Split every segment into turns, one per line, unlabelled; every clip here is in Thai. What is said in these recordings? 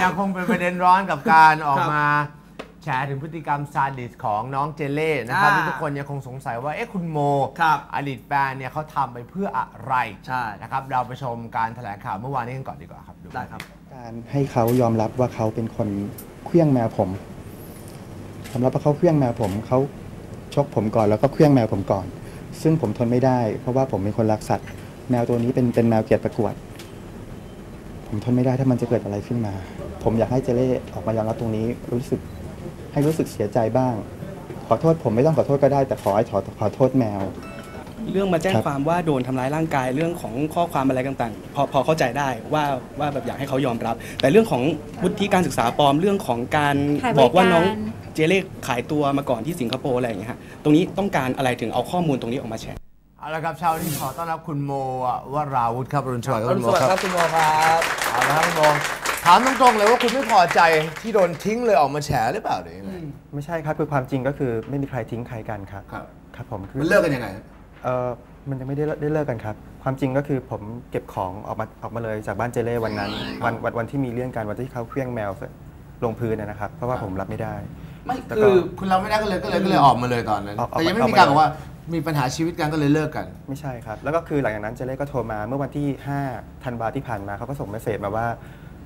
ยังคงเป็นประเด็นร้อนกับการออกมาแฉถึงพฤติกรรมซาดิสของน้องเจเล่นะครับที่ทุกคนยังคงสงสัยว่าคุณโมอดีตแฟนเนี่ยเขาทำไปเพื่ออะไรนะครับเราไปชมการแถลงข่าวเมื่อวานนี้กันก่อนดีกว่าครับ
ได้ครับ
การให้เขายอมรับว่าเขาเป็นคนเคลื่องแมวผมยอมรับว่าเขาเคลื่องแมวผมเขาชกผมก่อนแล้วก็เคลื่องแมวผมก่อนซึ่งผมทนไม่ได้เพราะว่าผมเป็นคนรักสัตว์แมวตัวนี้เป็นแมวเกียรติประกวดผมทนไม่ได้ถ้ามันจะเกิดอะไรขึ้นมาผมอยากให้เจเล่ออกมายอมรับตรงนี้รู้สึกเสียใจบ้างขอโทษผมไม่ต้องขอโทษก็ได้แต่ขอโทษแมว
เรื่องมาแจ้งความว่าโดนทำร้ายร่างกายเรื่องของข้อความอะไรต่างๆพอเข้าใจได้ว่าแบบอยากให้เขายอมรับแต่เรื่องของวุฒิการศึกษาปลอมเรื่องของการบอกว่าน้องเจเล่ขายตัวมาก่อนที่สิงคโปร์อะไรอย่างเงี้ยฮะตรงนี้ต้องการอะไรถึงเอาข้อมูลตรงนี้ออกมาแชร์
เอาละครับเช้านี้ขอต้อนรับคุณโมวราวุฒิครับรุ่นสวัสดิ์คุณโม
ครับคุณโมครับ
เอาละครับคุณโมถามตรงๆเลยว่าคุณไม่พอใจที่โดนทิ้งเลยออกมาแฉหรือเปล่าหรือยังไง
ไม่ใช่ครับคือความจริงก็คือไม่มีใครทิ้งใครกันครับครับผม
มันเลิกกันยังไง
มันยังไม่ได้เลิกกันครับความจริงก็คือผมเก็บของออกมาเลยจากบ้านเจเล่วันนั้นวันที่มีเรื่องกันวันที่เขาเคลื่องแมวลงพื้นนะครับเพราะว่าผมรับไม่ได้
ไม่คือคุณรับไม่ได้ก็เลยออกมาเลยตอนนั้นแต่ยังไม่มีการบอกว่ามีปัญหาชีวิตกันก็เลยเลิกกัน
ไม่ใช่ครับแล้วก็คือหลังจากนั้นเจเล่ก็โทรมาเมื่อวันที่5 ธันวาที่ผ่านมาเขาก็ส่งเมสเสจมาว่า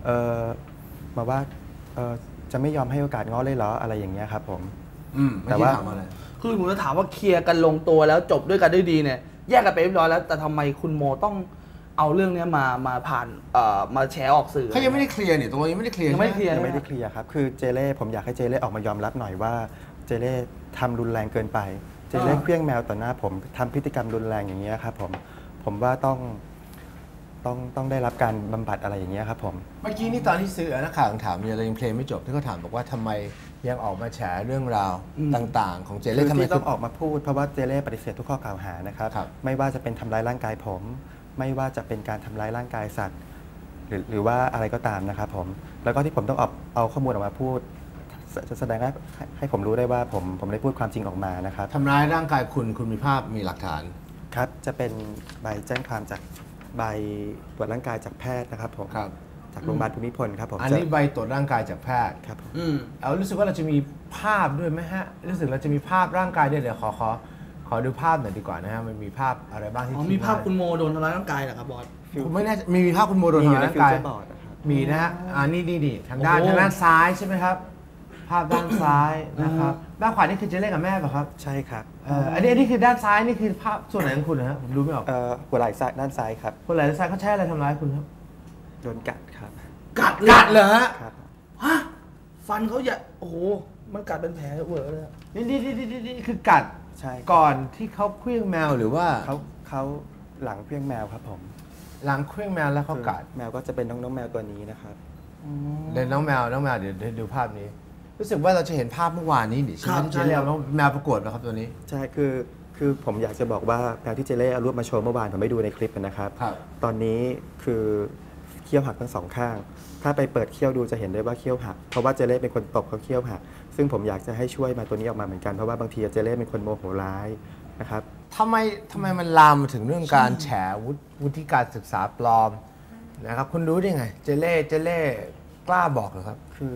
จะไม่ยอมให้โอกาสง้อเลยเหรออะไรอย่างเงี้ยครับผม
แต่ว่า
คือผมจะถามว่าเคลียร์กันลงตัวแล้วจบด้วยกันด้วยดีเนี่ยแยกกันไปเรียบร้อยแล้วแต่ทำไมคุณโมต้องเอาเรื่องนี้มาผ่านมาแชร์ออกสื่อ
เขายังไม่ได้เคลียร์เนี่ยตรงนี้ยังไม่ได้เคลียร์
ยังไม่ได้เคลียร์ครับคือเจเล่ผมอยากให้เจเล่ออกมายอมรับหน่อยว่าเจเล่ทำรุนแรงเกินไปเจเล่เคลื่องแมวต่อหน้าผมทำพฤติกรรมรุนแรงอย่างเงี้ยครับผมว่าต้องได้รับการบำบัดอะไรอย่างเงี้ยครับผม
เมื่อกี้นี่ตอนที่สื่อนักข่าวถามเนี่ยเรายังเพลงไม่จบที่เขาถามบอกว่าทำไมยังออกมาแฉเรื่องราวต่างๆของเจเล่ทำไม
ต้องออกมาพูดเพราะว่าเจเล่ปฏิเสธทุกข้อกล่าวหานะครับไม่ว่าจะเป็นทำร้ายร่างกายผมไม่ว่าจะเป็นการทำร้ายร่างกายสัตว์หรือว่าอะไรก็ตามนะครับผมแล้วก็ที่ผมต้องเอาข้อมูลออกมาพูดจะแสดงให้ผมรู้ได้ว่าผมได้พูดความจริงออกมานะครับ
ทำร้ายร่างกายคุณมีภาพมีหลักฐาน
ครับจะเป็นใบแจ้งความจากใบตรวจร่างกายจากแพทย์นะครับผมจากโรงพยาบาลภูมิพลครับผม
อันนี้ใบตรวจร่างกายจากแพทย์
ครับ
เอารู้สึกว่าเราจะมีภาพด้วยไหมฮะรู้สึกเราจะมีภาพร่างกายด้วยเดี๋ยวขอดูภาพหน่อยดีกว่านะฮะมันมีภาพอะไรบ้างที่
มีภาพคุณโมโดนทำร้ายร่างกายเหรอครับบอส
ผมไม่แน่มีภาพคุณโมโดนทำร้ายร่างกายมีนะฮะนี่ทางด้านซ้ายใช่ไหมครับภาพด้านซ้ายนะครับด้านขวานี่คือเจเล่กับแม่ป่ะครับ
ใช่ครับ
อันนี้คือด้านซ้ายนี่คือภาพส่วนไหนของคุณนะฮะผมดูไม่ออก
หัวไหล่ซ้ายด้านซ้ายครับ
หัวไหล่ด้านซ้ายเขาใช้อะไรทำร้ายคุณครับ
โดนกัดครับ
กัดเหรอฮะ
ฟันเขาอย่าโอ้โหมันกัดเป็นแผลเวอร์เลย
นี่คือกัด
ใช่
ก่อนที่เขาเคลื่องแมวหรือว่า
เขาหลังเคลื่องแมวครับผม
หลังเคลื่องแมวแล้วเขากัด
แมวก็จะเป็นน้องแมวตัวนี้นะครับ
เดี๋ยวน้องแมวเดี๋ยวดูภาพนี้รู้สึกว่าเราจะเห็นภาพเมื่อวานนี้ดิใช่ไหมที่เจเล่เอาน้องแมวประกวดนะครับตัวนี้
ใช่คือผมอยากจะบอกว่าแมวที่เจเล่เอารูปมาโชว์เมื่อวานผมไม่ดูในคลิปนะครับตอนนี้คือเขี้ยวหักทั้งสองข้างถ้าไปเปิดเขี้ยวดูจะเห็นได้ว่าเขี้ยวหักเพราะว่าเจเล่เป็นคนตบเขาเขี้ยวหักซึ่งผมอยากจะให้ช่วยมาตัวนี้ออกมาเหมือนกันเพราะว่าบางทีเจเล่เป็นคนโมโหร้ายนะครับ
ทำไมมันลามมาถึงเรื่องการแฉวุฒิการศึกษาปลอมนะครับคุณรู้ได้ไงเจเล่กล้าบอกเหรอครับ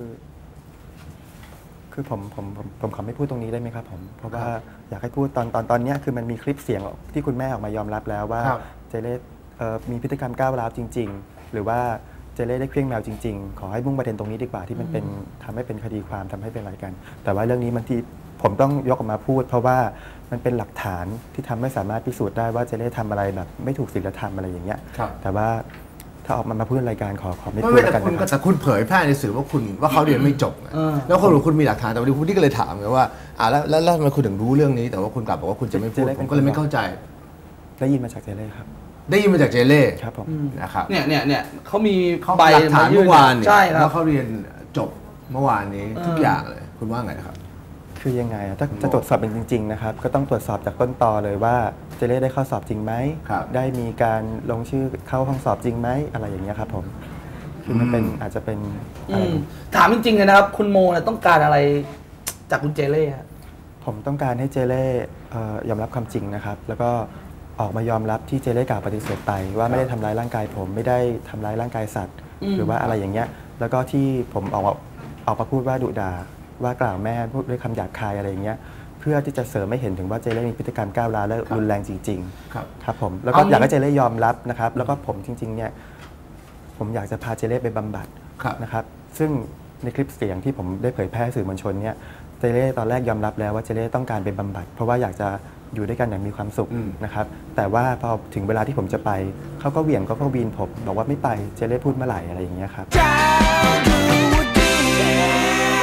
คือผมขอไม่พูดตรงนี้ได้ไหมครับผมเพราะว่าอยากให้พูดตอนนี้คือมันมีคลิปเสียงที่คุณแม่ออกมายอมรับแล้วว่าเจเล่มีพฤติกรรมก้าวร้าวจริงๆหรือว่าเจเล่ได้เครื่องแมวจริงๆขอให้มุ่งประเด็นตรงนี้ดีกว่าที่มันเป็นทำให้เป็นคดีความทำให้เป็นอะไรกันแต่ว่าเรื่องนี้มันที่ผมต้องยกออกมาพูดเพราะว่ามันเป็นหลักฐานที่ทำให้สามารถพิสูจน์ได้ว่าเจเล่ทำอะไรแบบไม่ถูกศีลธรรมอะไรอย่างเงี้ยแต่ว่าถ้าออกมาพูดรายการขอไม่พูดกัน
นะครับแต่คุณเผยแพร่ในสื่อว่าเขาเรียนไม่จบแล้วคุณมีหลักฐานแต่วันนี้คุณที่ก็เลยถามไงว่าแล้วทำไมคุณถึงรู้เรื่องนี้แต่ว่าคุณกลับบอกว่าคุณจะไม่พูดผมก็เลยไม่เข้าใจ
ได้ยินมาจากเจเล่ครับ
ได้ยินมาจากเจเล่
ครับผม
นะครับ
เนี่ยเขามี
ใบหลักฐานเมื่อวานเนี่ยว่าเขาเรียนจบเมื่อวานนี้ทุกอย่างเลยคุณว่าไงครับ
คือยังไงถ้าจะตรวจสอบเป็นจริงๆนะครับก็ต้องตรวจสอบจากต้นตอเลยว่าเจเล่ได้เข้าสอบจริงไหมได้มีการลงชื่อเข้าห้องสอบจริงไหมอะไรอย่างเงี้ยครับผมคือมันเป็นอาจจะเป็น
ถามจริงๆเลยนะครับคุณโมต้องการอะไรจากคุณเจเล่
ผมต้องการให้เจเล่ยอมรับความจริงนะครับแล้วก็ออกมายอมรับที่เจเล่กล่าวปฏิเสธไปว่าไม่ได้ทำร้ายร่างกายผมไม่ได้ทำร้ายร่างกายสัตว์หรือว่าอะไรอย่างเงี้ยแล้วก็ที่ผมออกมาพูดว่าดุด่าว่ากล่าวแม่พูดด้วยคำหยาบคายอะไรอย่างเงี้ยเพื่อที่จะเสริมให้เห็นถึงว่าเจเล่มีพฤติกรรมก้าวร้าวและรุนแรงจริงๆครับผมแล้วก็อยากให้เจเล่ยอมรับนะครับแล้วก็ผมจริงๆเนี่ยผมอยากจะพาเจเล่ไปบำบัดนะครับซึ่งในคลิปเสียงที่ผมได้เผยแพร่สื่อมวลชนเนี่ยเจเล่ตอนแรกยอมรับแล้วว่าเจเล่ต้องการไปบำบัดเพราะว่าอยากจะอยู่ด้วยกันอย่างมีความสุขนะครับแต่ว่าพอถึงเวลาที่ผมจะไปเขาก็เหวี่ยงเขาก็วีนผมบอกว่าไม่ไปเจเล่พูดเมื่อไหร่อะไรอย่างเงี้ยครับ